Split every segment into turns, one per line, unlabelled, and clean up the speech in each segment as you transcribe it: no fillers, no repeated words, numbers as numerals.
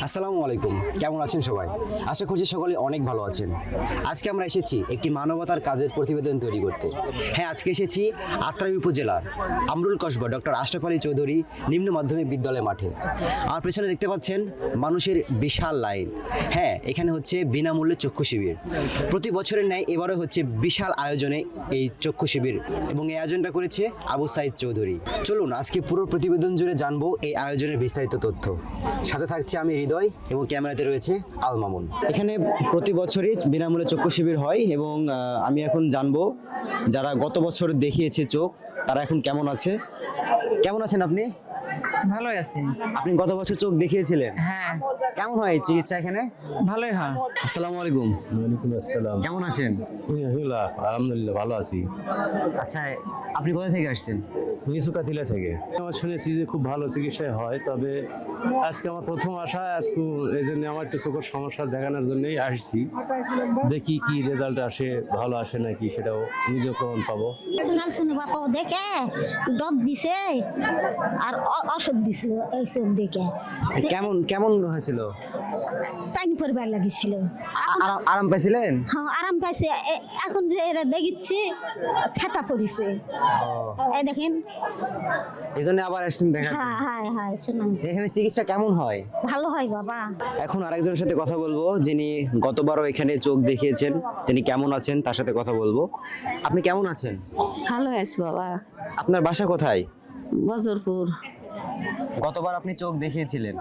আসসালামু আলাইকুম, কেমন আছেন সবাই? আশা করছি সকলে অনেক ভালো আছেন। আজকে আমরা এসেছি একটি মানবতার কাজের প্রতিবেদন তৈরি করতে। হ্যাঁ, আজকে এসেছি আত্রাই উপজেলার আমরুল কসবা ডক্টর আশরাফ আলী চৌধুরী নিম্ন মাধ্যমিক বিদ্যালয় মাঠে। আমার পেছনে দেখতে পাচ্ছেন মানুষের বিশাল লাইন। হ্যাঁ, এখানে হচ্ছে বিনামূল্যে চক্ষু শিবির। প্রতি বছরের ন্যায় এবারও হচ্ছে বিশাল আয়োজনে এই চক্ষু শিবির এবং এই আয়োজনটা করেছে আবু সাইদ চৌধুরী। চলুন আজকে পুরো প্রতিবেদন জুড়ে জানবো এই আয়োজনের বিস্তারিত তথ্য। সাথে থাকছে আমি হৃদয় এবং ক্যামেরাতে রয়েছে আল মামুন। এখানে প্রতি বছরই বিনামূল্যে চক্ষু শিবির হয় এবং আমি এখন জানবো যারা গত বছর দেখিয়েছে চোখ তারা এখন কেমন আছে। কেমন আছেন আপনি?
ভালোই আছি।
আপনি গত বছর চোখ দেখিয়েছিলেন,
হ্যাঁ,
কেমন হয় এই চিকিৎসা এখানে?
ভালোই হয়।
আসসালামু আলাইকুম,
ওয়ালাইকুম আসসালাম।
কেমন আছেন?
আলহামদুলিল্লাহ ভালো আছি।
আচ্ছা, আপনি কোথা থেকে আসছেন?
নিচুকাতিলা থেকে আমার শুনেছি যে খুব ভালো চিকিৎসা হয়, তবে আজকে আমার প্রথম আসা, আজকে এই জন্য আমার একটু চোখের সমস্যা দেখানোর জন্যই আসছি। দেখি কি রেজাল্ট আসে, ভালো আসে নাকি সেটাও নিজেও প্রমাণ পাবো।
শুনে বাবা দেখে ডব দিছে আর ওষুধ দিছিল এই চোখ দেখে
কেমন কেমন হয়েছিল?
পানি পরিবার লাগিছিল।
আরাম পাইছিলেন?
হ্যাঁ, আরাম পাইছে। এখন যে এরা দেখিচ্ছি ছাতা পড়িছে, এই দেখেন।
এই জন্য আবার আসছেন দেখা।
হ্যাঁ হ্যাঁ হ্যাঁ, শুনুন
এখানে চিকিৎসা কেমন হয়?
ভালো হয় বাবা।
এখন আরেকজনের সাথে কথা বলবো যিনি গতবারও এখানে চোখ দেখিয়েছেন, তিনি কেমন আছেন তার সাথে কথা বলবো। আপনি কেমন আছেন?
ভালো আছি বাবা।
আপনার বাসা কোথায়?
বজরপুর।
গতবার আপনি চোখ দেখিয়েছিলেন,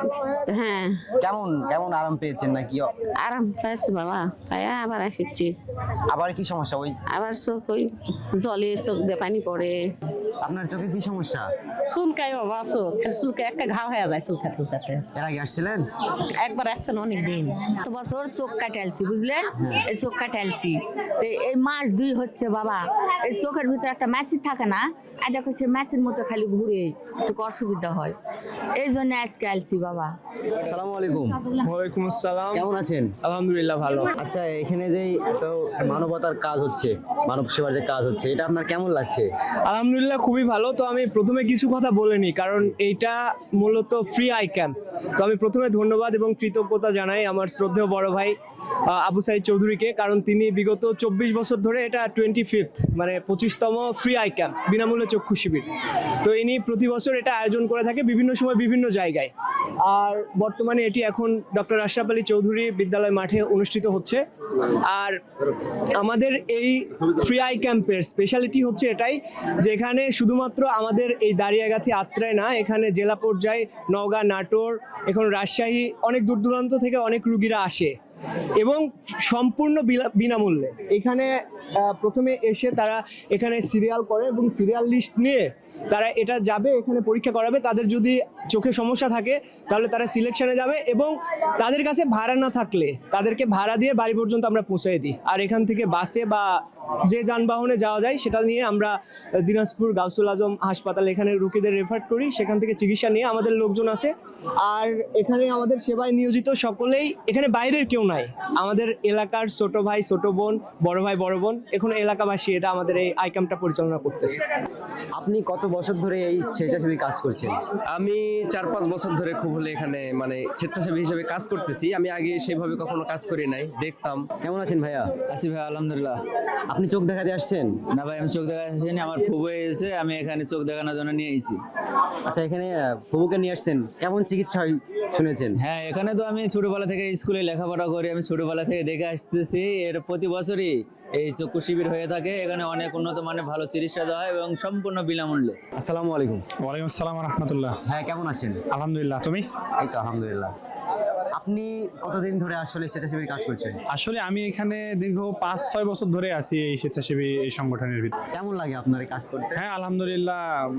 হ্যাঁ,
কেমন কেমন আরাম পেয়েছেন নাকি?
আরাম পাইছি বাবা, পাইয়া আবার আসছি।
আবার কি সমস্যা? ওই
আবার চোখ ওই জলে চোখ দিয়ে পানি পড়ে।
আপনার চোখে কি সমস্যা?
চুলকাই বাবা, চোখ চুলকে একটা ঘা হয়ে যায় চুলকাতে।
এর আগে আসছিলেন?
একবার আসছেন অনেক দিন।
তো বছর চোখ কাটালছি, বুঝলেন? এই চোখ কাটালছি তো এই মাস 2 হচ্ছে বাবা। এই চোখের ভিতরে একটা মেশিন থাকে না, আর দেখো সে মেশিন মতো খালি ঘুরে, একটু অসুবিধা হয়, এই জন্য আজকে আলছি বাবা।
আসসালামু আলাইকুম,
ওয়ালাইকুম আসসালাম।
কেমন আছেন?
আলহামদুলিল্লাহ ভালো।
আচ্ছা, এখানে যে এত মানবতার কাজ হচ্ছে, মানব সেবার যে কাজ হচ্ছে, এটা আপনার কেমন লাগছে?
আলহামদুলিল্লাহ খুবই ভালো। তো আমি প্রথমে কিছু কথা বলে নিই, কারণ এইটা মূলত ফ্রি আই ক্যাম্প। তো আমি প্রথমে ধন্যবাদ এবং কৃতজ্ঞতা জানাই আমার শ্রদ্ধেয় বড় ভাই আবু সাইদ চৌধুরীকে, কারণ তিনি বিগত 24 বছর ধরে এটা 25th মানে 25তম ফ্রি আই ক্যাম্প বিনামূল্যে চক্ষু শিবির। তো ইনি প্রতি বছর এটা আয়োজন করে থাকে বিভিন্ন সময় বিভিন্ন জায়গায়। আর বর্তমানে এটি এখন ডক্টর আশরাফ আলী চৌধুরী বিদ্যালয় মাঠে অনুষ্ঠিত হচ্ছে। আর আমাদের এই ফ্রি আই ক্যাম্পের স্পেশালিটি হচ্ছে এটাই যে এখানে শুধুমাত্র আমাদের এই দাঁড়িয়াগাথি আত্রায় না, এখানে জেলা পর্যায়ে নওগাঁ, নাটোর, এখন রাজশাহী, অনেক দূর দূরান্ত থেকে অনেক রুগীরা আসে এবং সম্পূর্ণ বিনামূল্যে। এখানে প্রথমে এসে তারা এখানে সিরিয়াল করে এবং সিরিয়াল লিস্ট নিয়ে তারা এটা যাবে, এখানে পরীক্ষা করাবে। তাদের যদি চোখে সমস্যা থাকে তাহলে তারা সিলেকশনে যাবে এবং তাদের কাছে ভাড়া না থাকলে তাদেরকে ভাড়া দিয়ে বাড়ি পর্যন্ত আমরা পৌঁছে দিই। আর এখান থেকে বাসে বা যে যানবাহনে যাওয়া যায় সেটা নিয়ে আমরা দিনাজপুর গাউসুল আজম হাসপাতাল এখানে রোগীদের রেফার করি, সেখান থেকে চিকিৎসা নিয়ে আমাদের লোকজন আছে। আর এখানে আমাদের সেবায় নিয়োজিত সকলেই, এখানে বাইরের কেউ নাই, আমাদের এলাকার ছোট ভাই ছোট বোন, বড় ভাই বড় বোন, এখন এলাকাবাসী এটা আমাদের এই আই ক্যাম্পটা পরিচালনা করতেছে।
আপনি কত বছর ধরে এই স্বেচ্ছাসেবী কাজ করছেন?
আমি 4-5 বছর ধরে খুব হলে এখানে মানে স্বেচ্ছাসেবী হিসেবে কাজ করতেছি। আমি আগে সেভাবে কখনো কাজ করি নাই, দেখতাম।
কেমন আছেন ভাইয়া?
আছি ভাই, আলহামদুলিল্লাহ।
আপনি চোখ দেখাতে আসছেন?
না ভাই, আমি চোখ দেখা আসিনি, আমার ফুবু এসেছে, আমি এখানে চোখ দেখানোর জন্য নিয়ে এসেছি।
আচ্ছা, এখানে ফুবুকে নিয়ে আসছেন, কেমন চিকিৎসা হয় শুনেছেন?
হ্যাঁ, এখানে তো আমি ছোটবেলা থেকে স্কুলে লেখাপড়া করি, আমি ছোটবেলা থেকে দেখে আসতেছি। এর প্রতি বছরই এই চক্ষু শিবির হয়ে থাকে। এখানে অনেক উন্নত মানের ভালো চিকিৎসা দেওয়া হয় এবং সম্পূর্ণ বিনামূল্যে।
আসসালামু আলাইকুম।
ওয়ালাইকুম আসসালাম রহমতুল্লাহ।
হ্যাঁ, কেমন আছেন?
আলহামদুলিল্লাহ, তুমি?
এই তো আলহামদুলিল্লাহ। আপনি কতদিন ধরে আসলে স্বেচ্ছাসেবী কাজ করছেন?
আসলে আমি এখানে দীর্ঘ 5-6 বছর ধরে আছি এই স্বেচ্ছাসেবী এই সংগঠনের ভিতরে।
কেমন লাগে আপনার এই কাজ করতে?
হ্যাঁ, আলহামদুলিল্লাহ।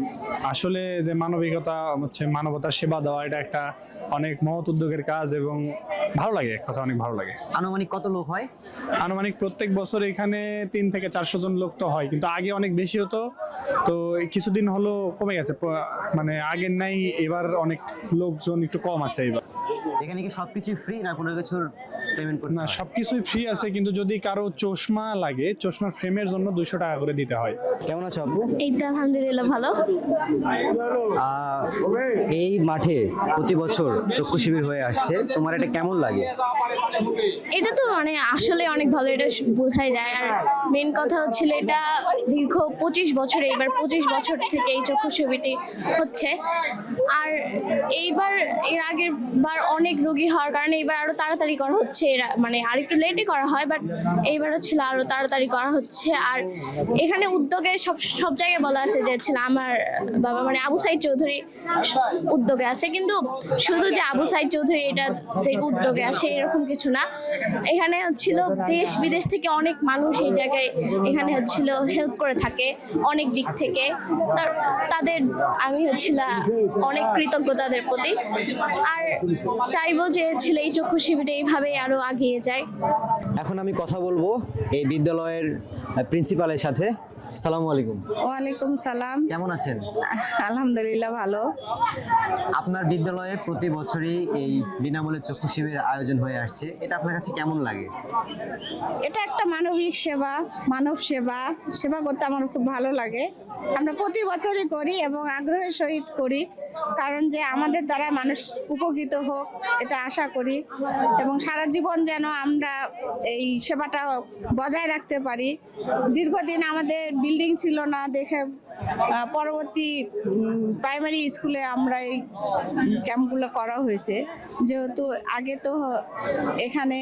আসলে যে মানবিকতা হচ্ছে, মানবতার সেবা দেওয়া, এটা একটা অনেক মহৎ উদ্যোগের কাজ এবং ভালো লাগে, এক কথা অনেক ভালো লাগে।
আনুমানিক কত লোক হয়?
আনুমানিক প্রত্যেক বছর এখানে 3 থেকে 400 জন লোক তো হয়, কিন্তু আগে অনেক বেশি হতো। তো এই কিছুদিন হলো কমে গেছে, মানে আগের নাই, এবার অনেক লোকজন একটু কম আছে এবার।
এখানে কি সবকিছু ফ্রি না কোনো কিছুর পেমেন্ট করতে
না,
হয়?
সবকিছুই ফ্রি আছে, কিন্তু যদি কারো চশমা লাগে, চশমার ফ্রেমের জন্য 200 টাকা করে দিতে হয়।
কেমন আছো আপু?
এই তো আলহামদুলিল্লাহ ভালো।
এই মাঠে প্রতি বছর চক্ষু শিবির হয়ে আসছে, তোমার এটা কেমন লাগে?
এটা তো মানে আসলে অনেক ভালো, এটা বোঝাই যায়। আর মেন কথা হচ্ছিল এটা দীর্ঘ 25 বছরে, এইবার 25 বছর থেকে এই চক্ষু শিবিরটি হচ্ছে। আর এইবার এর আগের বার অনেক রোগী হওয়ার কারণে এইবার আরো তাড়াতাড়ি করা হচ্ছে, এরা মানে আরেকটু লেটে করা হয়, বাট এইবার হচ্ছিল আরো তাড়াতাড়ি করা হচ্ছে। আর এখানে উদ্যোগে সব জায়গায় বলা আছে যে হচ্ছিল আমার বাবা মানে আবু সাইদ চৌধুরী উদ্যোগে আছে, কিন্তু শুধু যে আবু সাইদ চৌধুরী এটা থেকে উদ্যোগে আছে এরকম কিছু না। এখানে হচ্ছিল দেশ বিদেশ থেকে অনেক মানুষ এই জায়গায় এখানে হচ্ছিল হেল্প করে থাকে অনেক দিক থেকে। তাদের আমি হচ্ছিল অনেক কৃতজ্ঞ তাদের প্রতি। আর চাইবো যে ছিল এই চক্ষু শিবিরে এইভাবে আরো এগিয়ে যায়।
এখন আমি কথা বলবো এই বিদ্যালয়ের প্রিন্সিপালের সাথে। আসসালামু আলাইকুম।
ওয়ালাইকুম সালাম।
কেমন আছেন?
আলহামদুলিল্লাহ ভালো।
আপনার বিদ্যালয়ে প্রতি বছরই এই বিনামূল্যে চক্ষু শিবির আয়োজন হয়ে আসছে, এটা আপনার কাছে কেমন লাগে?
এটা একটা মানবিক সেবা, মানব সেবা। সেবা করতে আমার খুব ভালো লাগে। আমরা প্রতি বছরই করি এবং আগ্রহের সহিত করি, কারণ যে আমাদের দ্বারা মানুষ উপকৃত হোক এটা আশা করি, এবং সারা জীবন যেন আমরা এই সেবাটা বজায় রাখতে পারি। দীর্ঘদিন আমাদের বিল্ডিং ছিল না দেখে পরবর্তী প্রাইমারি স্কুলে আমরা এই ক্যাম্পগুলো করা হয়েছে। যেহেতু আগে তো এখানে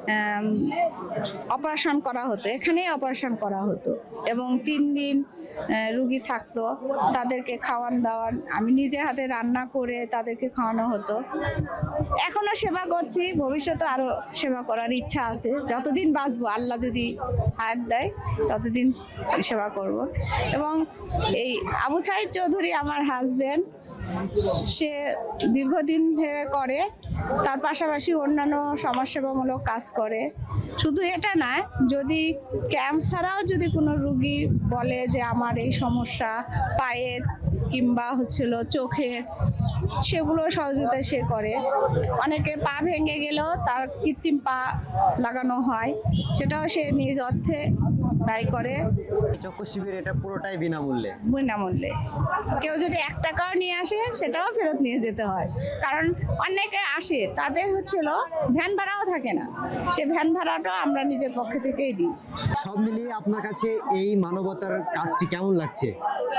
অপারেশন করা হতো, এখানেই অপারেশন করা হতো এবং 3 দিন রুগী থাকতো, তাদেরকে খাওয়ান দাওয়ান আমি নিজে হাতে রান্না করে তাদেরকে খাওয়ানো হতো। এখনো সেবা করছি, ভবিষ্যতে আরো সেবা করার ইচ্ছা আছে। যতদিন বাঁচবো, আল্লাহ যদি হায়াত দেয় ততদিন সেবা করব। এবং এই আবু সাইদ চৌধুরী আমার হাজবেন্ড, সে দীর্ঘদিন ধরে করে, তার পাশাপাশি অন্যান্য সমাজসেবামূলক কাজ করে। শুধু এটা নয়, যদি ক্যাম্প ছাড়াও যদি কোনো রুগী বলে যে আমার এই সমস্যা পায়ের কিংবা হচ্ছিল চোখের, সেগুলো সহযোগিতা সে করে। অনেকে পা ভেঙে গেলেও তার কৃত্রিম পা লাগানো হয়, সেটাও সে নিজ অর্থে ব্যয় করে।
চক্ষু শিবির এটা পুরোটাই বিনামূল্যে।
বিনামূল্যে। কেউ যদি 1 টাকাও নিয়ে আসে সেটাও ফেরত নিয়ে যেতে হয়, কারণ অনেকে আসে তাদের হচ্ছিল ভ্যান ভাড়াও থাকে না, সে ভ্যান ভাড়াটাও আমরা নিজের পক্ষ থেকেই দিই।
সব মিলিয়ে আপনার কাছে এই মানবতার কাজটি কেমন লাগছে?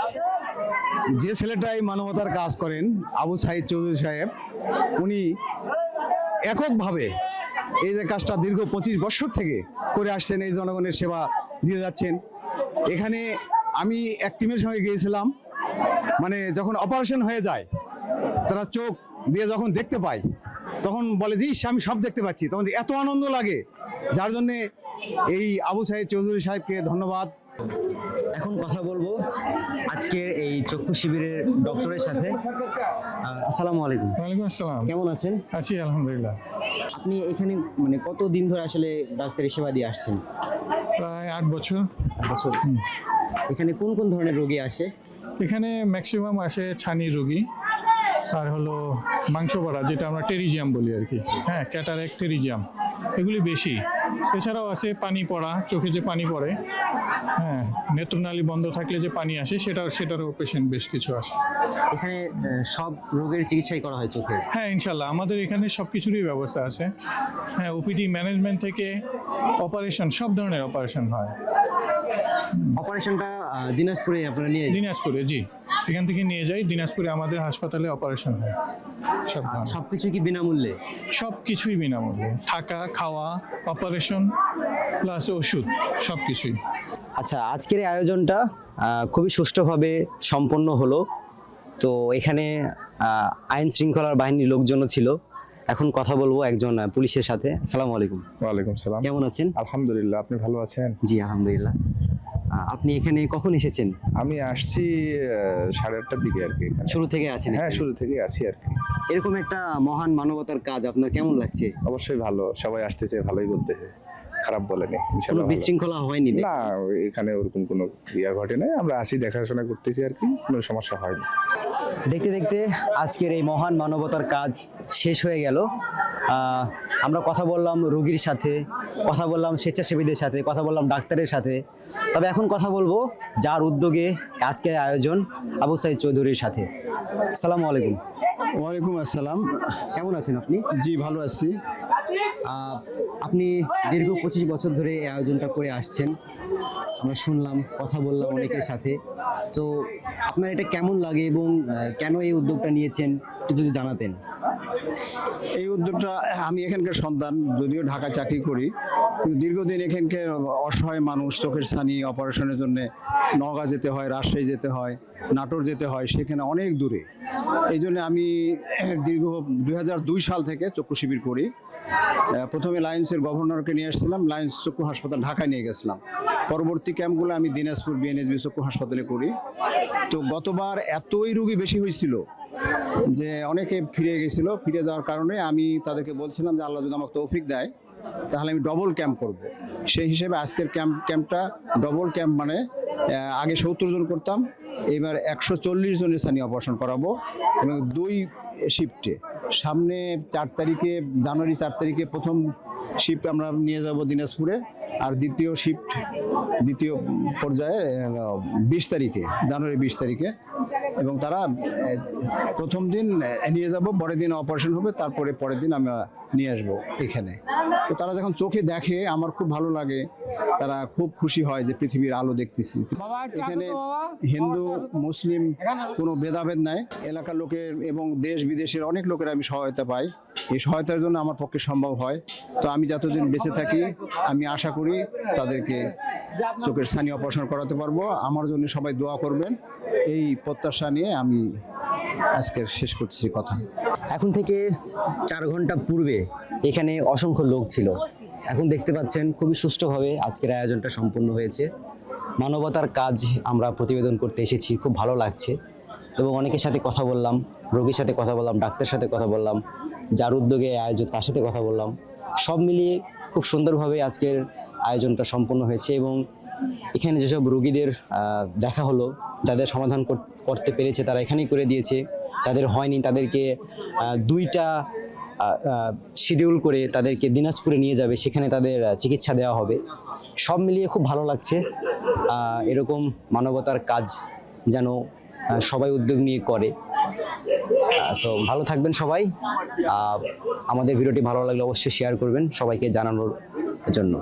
যে ছেলেটা এই মানবতার কাজ করেন, আবু সাইদ চৌধুরী সাহেব, উনি এককভাবে এই যে কাজটা দীর্ঘ 25 বছর থেকে করে আসছেন, এই জনগণের সেবা দিয়ে যাচ্ছেন। এখানে আমি এক টিমের সঙ্গে গিয়েছিলাম, মানে যখন অপারেশন হয়ে যায় তারা চোখ দিয়ে যখন দেখতে পায় তখন বলে যে ইস, আমি সব দেখতে পাচ্ছি, তখন এত আনন্দ লাগে, যার জন্যে এই আবু সাইদ চৌধুরী সাহেবকে ধন্যবাদ।
এখন কথা বলবো আজকের এই চক্ষু শিবিরের ডক্টরের সাথে। আসসালামু আলাইকুম।
ওয়ালাইকুম আসসালাম।
কেমন আছেন?
আছি আলহামদুলিল্লাহ।
আপনি এখানে মানে কত দিন ধরে আসলে ডাক্তারি সেবা দিয়ে আসছেন?
প্রায় 8 বছর।
বছর। এখানে কোন কোন ধরনের রোগী আসে?
এখানে ম্যাক্সিমাম আসে ছানি রোগী, আর হলো মাংস পড়া, যেটা আমরা টেরিজিয়াম বলি আর কি। হ্যাঁ, ক্যাটারেক্ট, টেরিজিয়াম, এগুলি বেশি। এছাড়াও আছে পানি পড়া, চোখে যে পানি পড়ে, হ্যাঁ, নেত্রনালী বন্ধ থাকলে যে পানি আসে, সেটারও পেশেন্ট বেশ কিছু আসে।
এখানে সব রোগের চিকিৎসাই করা হয় চোখে?
হ্যাঁ, ইনশাল্লাহ আমাদের এখানে সব কিছুরই ব্যবস্থা আছে। হ্যাঁ, ওপিডি ম্যানেজমেন্ট থেকে অপারেশন, সব ধরনের অপারেশন হয়।
অপারেশনটা দিনাজপুরে আপনারা নিয়ে?
দিনাজপুরে, জি, এখান থেকে নিয়ে যাই দিনাজপুরে, আমাদের হাসপাতালে অপারেশন হয়।
সবকিছু কি বিনামূল্যে?
সব কিছুই বিনামূল্যে, থাকা, খাওয়া, অপারেশন প্লাস ওষুধ, সব কিছুই।
আচ্ছা, আজকের এই আয়োজনটা খুবই সুষ্ঠুভাবে সম্পন্ন হলো। তো এখানে আইন শৃঙ্খলার বাহিনীর লোকজনও ছিল। এখন কথা বলবো একজন পুলিশের সাথে। আসসালামু আলাইকুম।
ওয়ালাইকুম সালাম।
কেমন আছেন?
আলহামদুলিল্লাহ, আপনি ভালো আছেন?
জি আলহামদুলিল্লাহ। আপনি এখানে কখন এসেছেন?
আমি আসছি 8:30টার দিকে আর কি।
শুরু থেকে আছেন?
হ্যাঁ, শুরু থেকে আছি আর কি।
এরকম একটা মহান মানবতার কাজ আপনার কেমন লাগছে?
অবশ্যই ভালো, সবাই আসতেছে, ভালোই বলতেছে, খারাপ বলেনি,
কোনো
ইনশাআল্লাহ ভালো।
বিশৃঙ্খলা হয়নি?
না, এখানে ওরকম কোনো ইয়া ঘটে নাই, আমরা আসি দেখাশোনা করতেছি আর কি, কোনো সমস্যা হয়নি।
দেখতে দেখতে আজকের এই মহান মানবতার কাজ শেষ হয়ে গেল। আমরা কথা বললাম রোগীর সাথে, কথা বললাম স্বেচ্ছাসেবীদের সাথে, কথা বললাম ডাক্তারের সাথে। তবে এখন কথা বলবো যার উদ্যোগে আজকের আয়োজন, আবু সাইদ চৌধুরীর সাথে। আসসালামু আলাইকুম।
ওয়ালাইকুম আসসালাম।
কেমন আছেন আপনি?
জি, ভালো আছি।
আপনি দীর্ঘ 25 বছর ধরে এই আয়োজনটা করে আসছেন, আমরা শুনলাম, কথা বললাম অনেকের সাথে। তো আপনার এটা কেমন লাগে এবং কেন এই উদ্যোগটা নিয়েছেন একটু যদি জানাতেন।
এই উদ্যোগটা, আমি এখানকার সন্তান, যদিও ঢাকা চাকরি করি, কিন্তু দীর্ঘদিন এখানকার অসহায় মানুষ চোখের ছানি অপারেশনের জন্য নওগাঁ যেতে হয়, রাজশাহী যেতে হয়, নাটোর যেতে হয়, সেখানে অনেক দূরে। এই জন্য আমি দীর্ঘ 2002 সাল থেকে চক্ষু শিবির করি। প্রথমে লায়েন্সের গভর্নরকে নিয়ে আসছিলাম, লায়েন্স চক্ষু হাসপাতাল ঢাকায় নিয়ে গেছিলাম। পরবর্তী ক্যাম্পগুলো আমি দিনাজপুর বিএনএসবি চক্ষু হাসপাতালে করি। তো গতবার এতই রোগী বেশি হয়েছিল যে অনেকে ফিরে গেছিল। ফিরে যাওয়ার কারণে আমি তাদেরকে বলছিলাম যে আল্লাহ যদি আমাকে তৌফিক দেয় তাহলে আমি ডবল ক্যাম্প করব। সেই হিসেবে আজকের ক্যাম্পটা ডবল ক্যাম্প, মানে আগে 70 জন করতাম, এবার 140 জনের ছানি অপারেশন করাবো এবং 2 শিফটে। সামনে 4 তারিখে, জানুয়ারি 4 তারিখে প্রথম শিফট আমরা নিয়ে যাব দিনাজপুরে, আর দ্বিতীয় পর্যায়ে 20 তারিখে, জানুয়ারি 20 তারিখে। এবং তারা প্রথম দিন নিয়ে যাব, পরের দিন অপারেশন হবে, তারপরে পরের দিন আমরা নিয়ে আসবো এখানে। তো তারা যখন চোখে দেখে আমার খুব ভালো লাগে, তারা খুব খুশি হয় যে পৃথিবীর আলো দেখতেছি। এখানে হিন্দু মুসলিম কোনো ভেদাভেদ নাই, এলাকার লোকের এবং দেশ বিদেশের অনেক লোকের আমি সহায়তা পাই। এই সহায়তার জন্য আমার পক্ষে সম্ভব হয়। তো আমি যতদিন বেঁচে থাকি আমি আশা করি তাদেরকে চোখের ছানি অপারেশন করাতে পারবো। আমার জন্য সবাই দোয়া করবেন, এই প্রত্যাশা নিয়ে আমি আজকের শেষ করছি কথা।
এখন থেকে 4 ঘন্টা পূর্বে এখানে অসংখ্য লোক ছিল। এখন দেখতে পাচ্ছেন খুবই সুষ্ঠুভাবে আজকের আয়োজনটা সম্পন্ন হয়েছে। মানবতার কাজ আমরা প্রতিবেদন করতে এসেছি, খুব ভালো লাগছে। এবং অনেকের সাথে কথা বললাম, রোগীর সাথে কথা বললাম, ডাক্তারের সাথে কথা বললাম, যার উদ্যোগে আয়োজন তার সাথে কথা বললাম। সব মিলিয়ে খুব সুন্দরভাবে আজকের আয়োজনটা সম্পন্ন হয়েছে। এবং এখানে যেসব রোগীদের দেখা হলো, যাদের সমাধান করতে পেরেছে তারা এখানেই করে দিয়েছে, যাদের হয়নি তাদেরকে 2টা শিডিউল করে তাদেরকে দিনাজপুরে নিয়ে যাবে, সেখানে তাদের চিকিৎসা দেওয়া হবে। সব মিলিয়ে খুব ভালো লাগছে। এরকম মানবতার কাজ যেন সবাই উদ্যোগ নিয়ে করে। সো ভালো থাকবেন সবাই। আমাদের ভিডিওটি ভালো লাগলে অবশ্যই শেয়ার করবেন সবাইকে জানানোর জন্য।